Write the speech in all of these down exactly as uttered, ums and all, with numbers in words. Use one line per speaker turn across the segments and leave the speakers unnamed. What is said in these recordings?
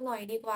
น่อยดีกว่า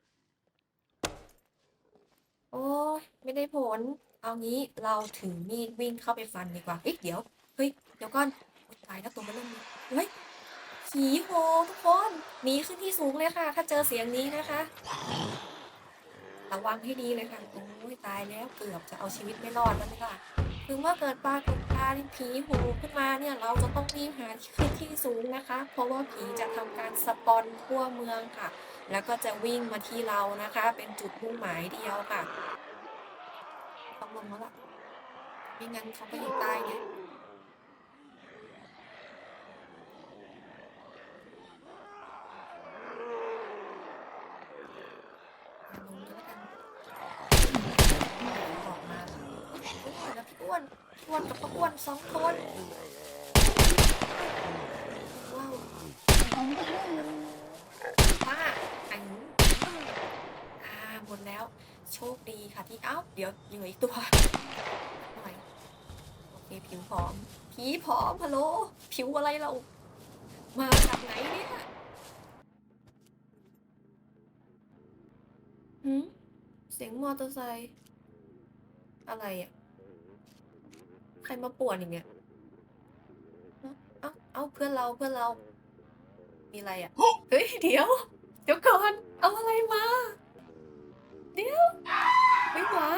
โอ้ยไม่ได้ผล เอางี้เราถือมีดวิ่งเข้าไปฟันดีกว่าเฮ้ยเดี๋ยวเฮ้ยเดี๋ยวก่อนตายแล้วตัวมันเริ่มมีเฮ้ยผีโหทุกคนหนีขึ้นที่สูงเลยค่ะ ถ้าเจอเสียงนี้นะคะระวังให้ดีเลยค่ะโอ้ยตายแล้วเกือบจะเอาชีวิตไม่รอดแล้วนี่ค่ะคือเมื่อเกิดปรากฏการณ์ผีโหขึ้นมาเนี่ยเราจะต้องรีบหาขึ้นที่สูงนะคะ เพราะว่าผีจะทำการสปอนทั่วเมืองค่ะ แล้วก็จะวิ่งมาที่เรานะคะ เป็นจุดมุ่งหมายเดียวค่ะต้องลงแล้วล่ะไม่งั้นเขาก็ยังตายไงลงแล้วกันออกมาแล้วพี่อ้วนอ้วนกับป้าอ้วนสองคนว้าวป้าอันอ่าหมดแล้วโชคดีค่ะที่เอ้าเดี๋ยวเหลืออีกตัวหน่อยโอเคผิวผอมผีผอมฮัลโหลผิวอะไรเรามาจากไหนเนี่ยหืมเสียงมอเตอร์ไซค์อะไรอ่ะใครมาป่วนอย่างเงี้ยเอ้าเอ้าเพื่อนเราเพื่อนเรามีอะไรอ่ะเฮ้ยเดี๋ยวเดี๋ยวก่อนเอาอะไรมาเดี๋ยวไม่หวา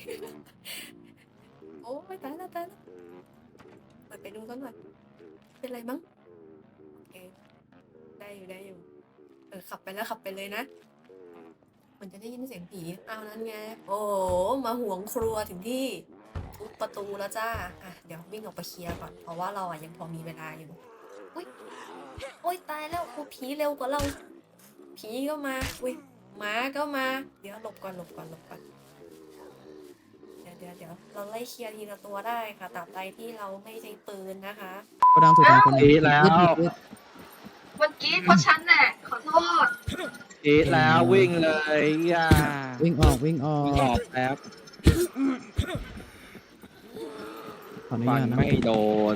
โอ้ไม่ตายแล้วตายแล้วเปิดไปดูกันหน่อยเป็นไรมั้งโอเคได้อยู่ได้อยู่เออขับไปแล้วขับไปเลยนะมันจะได้ยินเสียงผีเอานั้นไงโอ้มาห่วงครัวถึงที่ทุบประตูแล้วจ้าอ่ะเดี๋ยววิ่งออกไปเคลียร์ก่อนเพราะว่าเราอ่ะยังพอมีเวลาอยู่อุ้ยโอ้ยตายแล้วโอ้ผีเร็วกว่าเราผีก็มาอุ้ยหมาก็มาเดี๋ยวหลบก่อนหลบก่อนหลบก่อนเดี๋ยวเดี๋ยวเดี๋ยวเราไล่เคลียร์ทีละตัวได้ค่ะตราบใดที่เราไม่ใช้ปืนนะคะ
ก็ดังสุดท้ายคนนี้
กรี๊ดแล้ว
เมื่อกี้เพราะฉันแหละขอโทษ
กรีดแล้ววิ่งเลยย่า
วิ่งออกวิ่งออ
วิ่งอก อกแล้ว
ขออนุ
ฟัน
ญาตนะ
ไม่โดน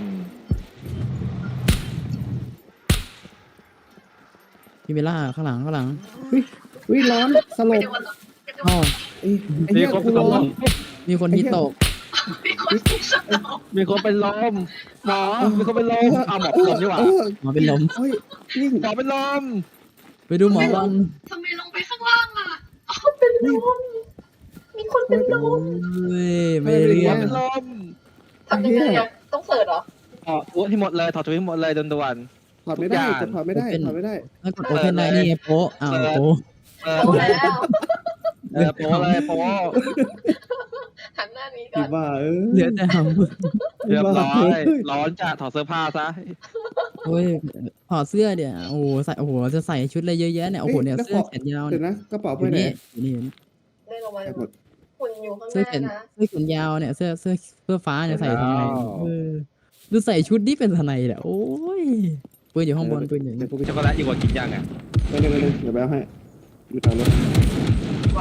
พี่เบลล่าข้างหลังข้างหลัง
วิร้อนสล
ไม่
บ
ได้วันหรอกไม่ได้
อ๋อ
ไอ้ไอ้เหี้ย
มีคน
กูร้อน
มีคนที่ตก
มีคนที่สนอง
มีคนเป็นลมหมอมีคนเป็นลมเอาหมอเป็นลมดีกว่า
เออ
หมอเป็นลม
เฮ้ยวิ่ง
หมอเป็นลม
ไปดูหมอวัน
ทำไมลงไปข้างล่างอ่ะเอาเป็นลมมีคนเป็นลม
เว้ยไม่เรี
หม
ย
อก เป็นลม
ทำยังไงอ่ะต้องเสิร์ชเหรอ
ถอดตัวที่หมดเลยถอดตัวที่หมดเลยด่วน
ถอดไม่ได้กดถอดไม่ได้ถอดไม่ได้
ถ้ากดโอเพนได้นี่ไงโป๊ะอ้าวโป๊ะ
ๆเออ
เอาแล้ว
เออโป้เลยโป้
หันหน้านี้ก่
อี
อน
บ้าเออ
เหลือแต่หำ
เรียบร้อยร้อนจะถอดเสื้อผ้าซะ
โอ้ยถอดเสื้อเดี๋ยวโอ้โหใส่โอ้โหจะใส่ชุดอะไรเยอะแยะเนี่ยโอ้โหเนี่ยเสื้อแขนยาว
เดี๋
เนี่ย
ยวนะกระเป๋า
อ
ไป
ยู่
ไหน
นี่อยู่นี่
ได้ลงมา
ไปหมด
หุ่นอยู่ข้างห
เสื้อ
น้า
แขน
นะ
เสื้อแขนยาวเนี่ยเสื้อเสื้อเสื้อฟ้าเนี่ยใส่ทำไมเออดูใส่ชุดนี่เป็นทนายแหละโอ้ยปืนอยู่ข้างบนปืนอยู่
เดี๋ยวกูไป
ช็อกโกแลตอยู่กว่ากินยังอ่ะ
ไปเลยไปเลยเดี๋ยวไปเอาให้อยู่ทางรถ
ไว้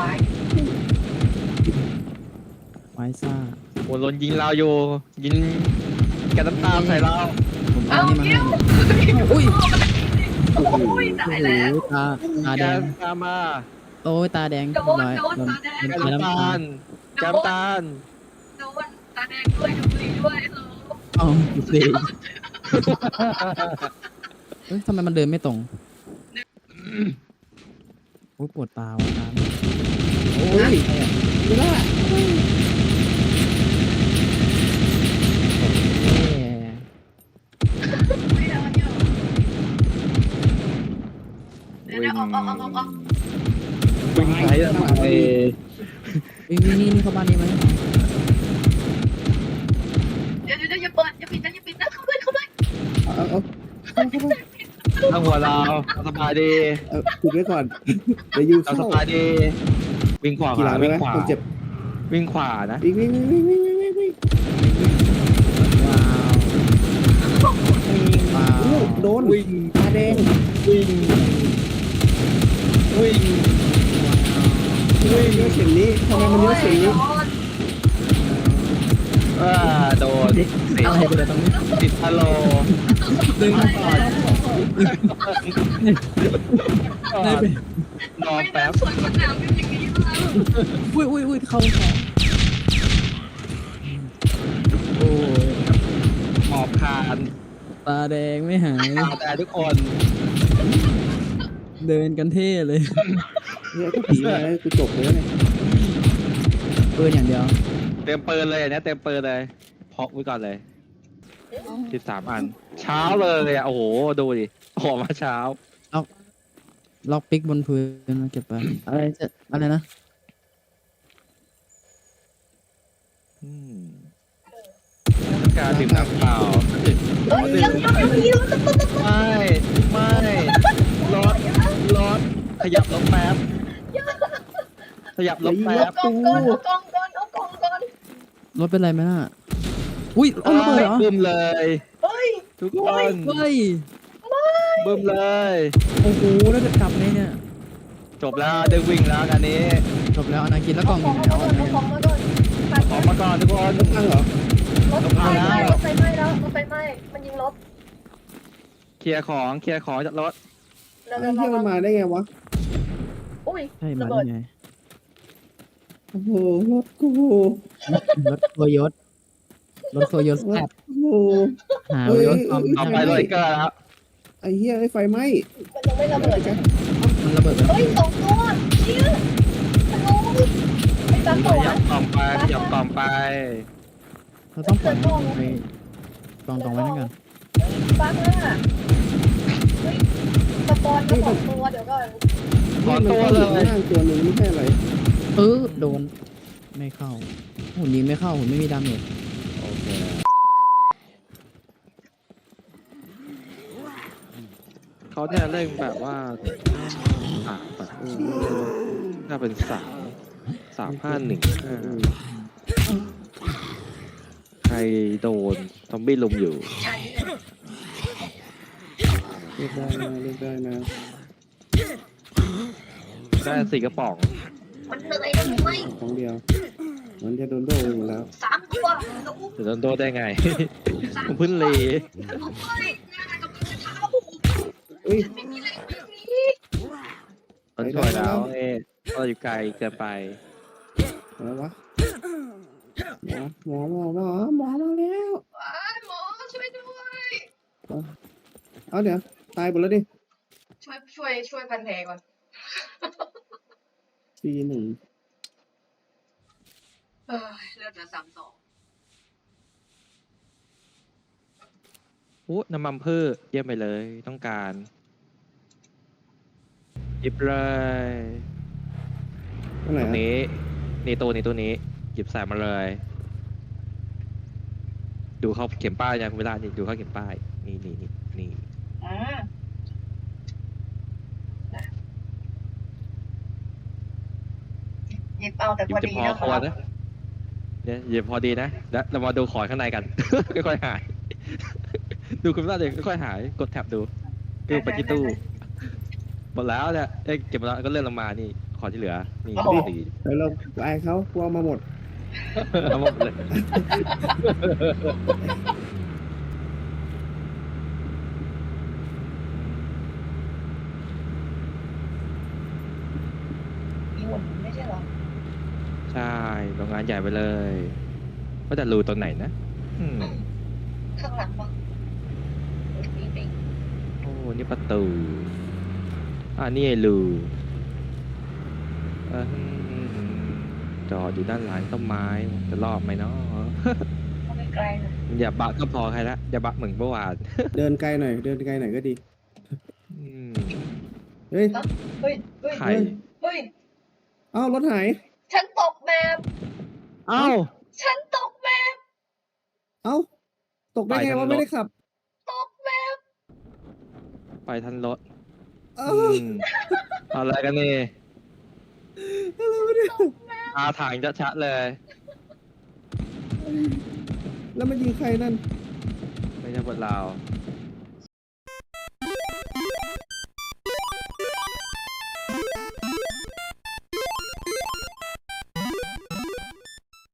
ไว้ซ่า
โอ้โดนยิงเราอยู่ยิงแกน้ำตาใส่เรา
ผมเอา
เอา
นี่มา
เกี้
ให้
ยว
อุ้ย
โอ้ยตายแล้ว
โอ้ยตาตา
แก
แดง
ตามมา
โอ้ยตาแดง
โดน
ร้อย
โดนตาแดง
แก
โดน
น้ำตาลแกน้ำตาล
โดนตาแดงด้วยดูดีด้วยเออ
เอาดูสิเฮ้ยทำไมมันเดินไม่ตรงโอ้ยปวดตาว่ะตา
โอ้ยไม่ได้
แย่
ไม่ได้เยอะเดี๋ยว
วิ่
เดี๋ย
ง
วออกออกออกออกออก
วิ่งไปทำไม
วิ่งวิ่งนี่เข้าบ้านนี้ไหม
เดี๋ยวเดี๋ยวอย่าเปิดอย่าปิดนะอย่าปิดนะเข้าด้วยเข้าด้วย
เอาเอาเอาเข้าเข้า
ตั้งหัวเราสบายดี
เอาปิดไว้ก่อนเดี๋ยวยู
เรา
เข้า
สบายดี วิ่งขวา
ขี่หลังได้
วิ่
ไหม
งขวา
คนเจ็บ
วิ่งขวานะ
วิ่งวิ่งวิ่งวิ่งวิ่งวิ่งวิ่ง
ว้าวว้า
โอ้
ว
โดน
วิ่ง
ตาแดง
วิ่งวิ่ง
เฮ้ยเยอะเสียงนี้ทำไมมันเยอะเสียงนี้
อ่าโดนติด
อะไรไปเลยตรงนี้
ติดฮัลโหล
ดึงมาก่อน
ก่อ
ได้
น
ไป
รอ
ไม่
แป๊
ได้
บ
สวนสนามกันอย่างนี้แล้ว
อุ้ยอุ้ยอุ้ยเข้าของโอ้ย
หมอบคาน
ตาแดงไม่หาย
คาแต่ทุกคน
เดินกันเท่เลย
เนี่ยถ้าผีมากูจบเลยเนี่ย
ปืนอย่างเดียว
เต็มปืนเลยอันเนี้ยเต็มปืนเลยพกไว้ก่อนเลยสิบสามอัน เช้าเลยอ่ะโอ้โหดูดิออกมาเช้า
ล็อกปิกบนพื้นมาเก็บไปอะไรจะอะไรนะ
อืมต้องการดื่มน้ำเปล่า
เอ้ยยังไม่มีรถตุ๊กตุ๊ก
ไม่ไม่รถรถขยับรถแป๊บขยับรถแป๊บ
กองก่อนเอากองก่อนเอากองก่อน
รถเป็นไรไหมน่ะอุ้ยเอาระเบิดเหรอ
บึ้มเลย
เฮ้ย
ทุกคน
เฮ้ย
บึ้มเลย
โอ้โหแล้วจะกลับไงเนี่ย
จบแล้วได้วิ่งแล้วกันนี้
จบแล้วอนาคินแล้วกล่
เอา
องอ
ขอยู่ ง
ไหน
มาก่อน
เอา
เอา
ไหน
ของมาก่อน
ออกมาก่อนทุกคน
ตั้งเหรอ
รถไฟไหม้รถไฟไหม้แล้วรถไฟไหม้มันยิงรถ
เคลียร์ของเคลียร์ของจากรถ
เร็ว
ไอ้เหี้ยมันมาได้ไงวะ
ๆอุ้ย
ใช่มา
ระ
ได้
เบิด
ไง
โอ้โหรถกู
รถโคโยตรถโคโยต
ร
แซ่
ถ
บ
กู
หา
เฮ้ย
รถความ
ต่อไปเลยเกอร์แล้ว
ไอ้เหี้ยไอ้ไฟไหม้
มันยังไม่ระเบิดนะ
มันระเบิดแล้ว
เฮ้ยสองตัวเชี่ยฮัลโหลไอ้ตั๊ก
ข
ตัว
ยับกล่องไปขยับกล่องไป
เราต้องปล่อยให้มันไปกองกองไว้นั่นกัน
บั๊กอ่ะเฮ้ยสปอนมาสองตัวเดี๋ยวก่อน
ขอตัวเลย
นี่มันข้างตัวหนึ่งไม่ใช่อะไร
เออโดนไม่เข้าหุ่นนี้ไม่เข้าหุ่นไม่มีดาเมจ
โอเคเขาเนี่ยเล่นแบบว่าอ่ะแบบน่าเป็นสามสามห้าหนึ่งห้าใครโดนซอมบี้ลุมอยู่
เรียกได้นะเรียกได้นะ
ได้สี่กระป๋อง
มันเหนื่อยมันไม่
ของเดียว มันจะโดนโดนหมดแล้ว
สามตัวแล้ว
จะโดนโดนได้ไง ผมเพิ่งเล
ผมไม่งานกับมือเท้า
เอ้ย
ไม่มีอะไรแบบนี้
มันช่วยแล้วเอ๊ะเราอยู่ไกลเกินไป
อะไรวะหมอหมอหมอหมอหมอมาแล้ว
ว้ายหมอช่วยด้วย
เอาเดี๋ยวตายหมดแล้วดิ
ช่วยช่วยช่วยพันแผลก่อน
ซีหนึ่ง
เออเลือดเหลือสามสอง
อู้น้ำมันพืชเยี่ยมไปเลยต้องการหยิบเลย
อันไหน
ตรง
อะ
นี้นี่ตัวนี้ตัวนี้หยิบใส่มาเลย ดูเขาเข็มป้ายยังเวลานี่ดูเขาเข็มป้าย นี่นี่นี่นี่
อ่าหยิบเอาแต่
หยิ
พ
บ
อ
จะ
ดี
พอ
นะ
พอนะเนี่ยหยิบพอดีนะแล้วเรามาดูของข้างในกัน ค่อยๆหาย ดูคุณป้าเด็กค่อยๆหายกดแท็บดูดูไปที่ตู้หมดแล้วเนี่ยเอ้ยเก็บมาแล้วก็เลื่อนลงมานี่ของที่เหลือนี่ดี
เดี๋ยวเราไปเขากลัวมาหมด
เอาหมดเลย
มีหมดไม่ใช่เหรอ
ใช่โรงงานใหญ่ไปเลยว่าแต่รูตรงไหนนะอืม
ข้างหลังมั้งนี่เป็น
โอ้นี่ประตูอ่านี่ไอ้รูเออจอดอยู่ด้านหลังต้นไม้จะรอบไหมเนาะ
ก็ไม่ไกลนะ
อย่าบะก็พอใครละอย่าบะเหมือนเมื่อวาน
เดินไกลหน่อย เดินไกลหน่อยก็ดี
อืม
เฮ้ย
เฮ้ยเฮ้ย
ไข่
เฮ้ย
เอ้ารถหาย
ฉันตกแมพ
เอ้า
ฉันตกแมพ
เอ้า ตกได้ไง
ไปทาง
ว่า
รถ
ไม่ได้ขับ
ตกแมพ
ไปทันรถ
เอ้า
อืมเอาอะไรกันนี่
อะไรวะเนี่ย
อาถางจะชัดๆเลย
แล้วมันยิงใครนั่น
ไม่ใช่บทเรา